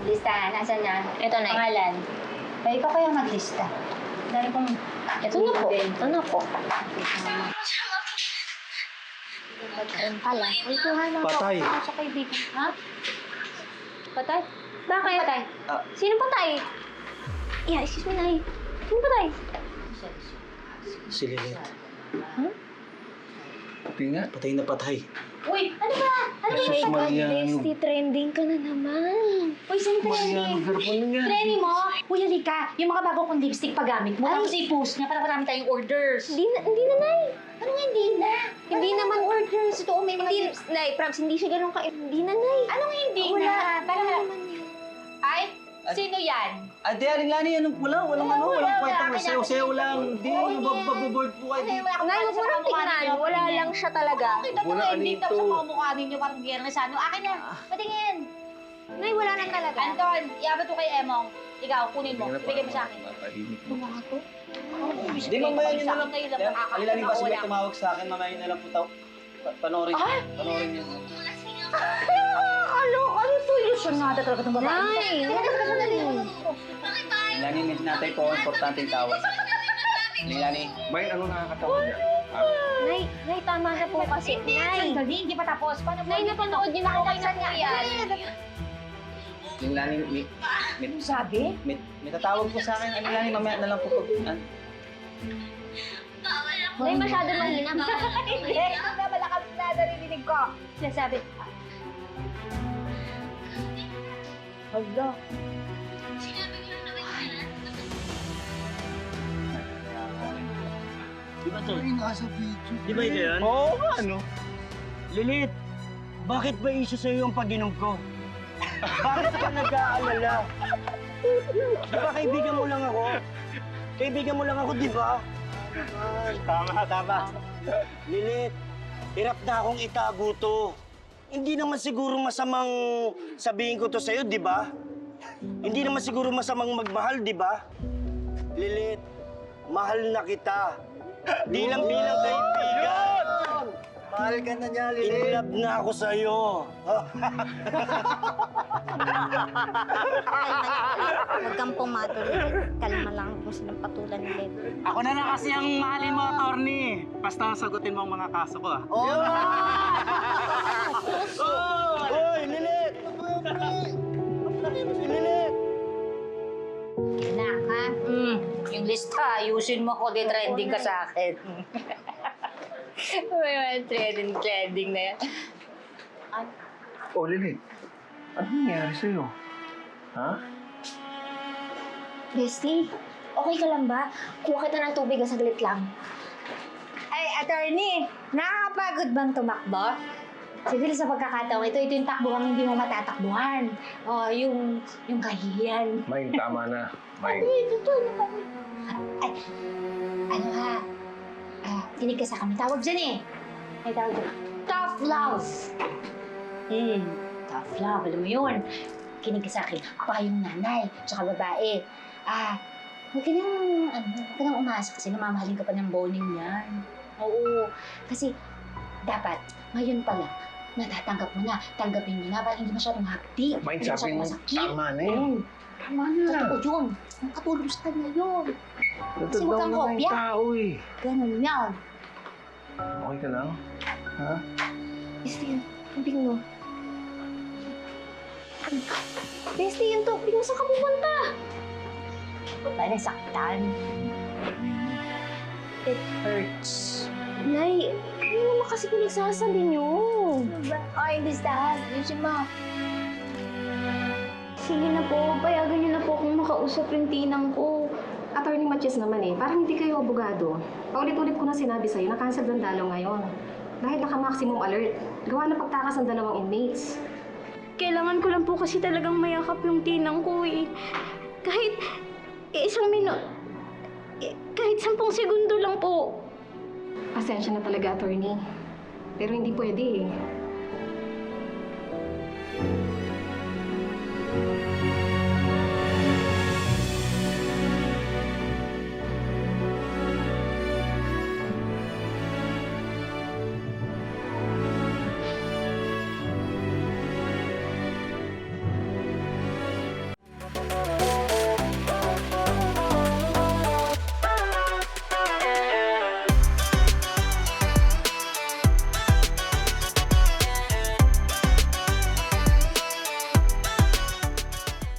Listahan, asan na? Ito na. Pangalan. Ay, ikaw kaya maglista. Dahil kung... Ito na po. Ito na po. Ayun pala. Uy, kuha na po. Patay. Ako sa kaibigan. Ha? Patay? Bakit? Patay. Sino patay? Yeah, excuse me, Nay. Sino patay? Si Lilith. Huh? Patay nga. Patay na patay. Uy! Ano ba? Ano ba Jesus yung Maria, Bestie, trending ka na naman. Uy, saan trending? Garpon nga. Trending mo? Uy, halika. Yung mga bago kong lipstick pagamit mo. Tapos i-post niya para marami tayong orders. Hindi na, Nay. Ano nga hindi na? Hindi naman orders. Ito, may mga Hindi, lipstick. Nay, props, hindi siya ganun ka. Hindi na, Nay. Anong hindi Wala. na? Para... Wala naman yun. Ay, sino yan? Ate, Aling Lani, anong wala? Walang ano, walang kwenta. wala. Sayo-sayo lang. Hindi, mababoard po kayo dito. Nay, huwag mo nang tingnan. Wala lang siya talaga. Kita ko Wala, na ano ending ito? tapos sa mga mukha ninyo parang biyernes ano. Akin na. Patingin. Nay, wala lang talaga. Anton, iabot ko kay Emong. Ikaw, kunin mo. Ibigay mo sa akin. Tumawa ko. Hindi, mamaya nyo na lang. Kayo lang Aling Lani, basta may tumawag sa akin, mamaya nyo na lang po tao. Panorin. Ay! Panorin nyo. Ano solusyon nga talaga itong babae? Nay, Aling Lani, may natay po, importanteng tawag. Aling Lani. Bay, ano nakakatawa niya? Nay, tama na po kasi. Nay, Sandali, hindi pa tapos. Paano Nay, napanood niyo na po kayo ng yan. Aling Lani, Ano sabi? may tatawag po sa akin. Aling Lani, mamaya na lang po pag... Nay, masyado mahina. Hindi, na malakas na narinig ko. Sinasabi. Hala. Di ba to? Ay, nasa video. Di ba ito yan? Oo, ano? Lilith, bakit ba iso sa'yo yung pag-inom ko? Bakit ka nag-aalala? Di ba kaibigan mo lang ako? Kaibigan mo lang ako, di ba? Tama. Lilith, hirap na akong itago to. Hindi naman siguro masamang sabihin ko to sa'yo, di ba? Hindi naman siguro masamang magmahal, di ba? Lilith, mahal na kita. Di lang bilang kaibigan. Mahal ka na niya, In Lilith. love na ako sa'yo. Huwag kang pumatuloy. Kalma lang kung sinong patulan ni Led. Ako na lang kasi ang mahalin mo, attorney. Basta sagutin mo ang mga kaso ko, ah. Hoy, Lilith! Lilith! Anak, ha? Yung lista, ayusin mo ko. Di trending ka sa akin. May trending na yan. Oh, Lilith. Ano nangyari sa'yo? Ha? Bestie, okay ka lang ba? Kuha kita ng tubig, saglit lang. Ay, attorney, nakakapagod bang tumakbo? Siguro sa pagkakataon, ito yung takbuhan hindi mo matatakbuhan. O, yung kahihiyan. May, tama na. May. Ay, ano ha? Kinig ka sa kami. Tawag dyan eh. May tawag dyan. Tough love. Tough love. Alam mo yun. Kinig ka sa akin. Ako yung nanay. Tsaka babae. Huwag ka nang umasa kasi namamahalin ka pa ng boning yan. Oo. Kasi, dapat, ngayon pala, natatanggap mo na. Tanggapin mo na para hindi masyadong hapdi. May, Hindi sabi masyadong mo, masakit. tama na yun. Tama na. Totoo yun. Ang katulong sa kanya yun. Kasi Totoo huwag kang naman yung kopya. tao eh. Ganun yan. Okay ka lang? Ha? Bestie, tubig mo. Bestie, yung tubig mo, saan ka pupunta? Ba't tayo nasaktan? It hurts. Nay, ano naman kasi pinagsasabi niyo? Ay, listahan. Ayusin mo. Sige na po, payagan niyo na po kung makausap yung tinang ko. Attorney Matches naman eh, parang hindi kayo abogado. Paulit-ulit ko na sinabi sa'yo na cancel ng dalaw ngayon. Dahil naka-maximum alert, gawa na pagtakas ng dalawang inmates. Kailangan ko lang po kasi talagang mayakap yung tinang ko eh. Kahit kahit 10 segundo lang po. Pasensya na talaga, attorney. Pero hindi pwede eh.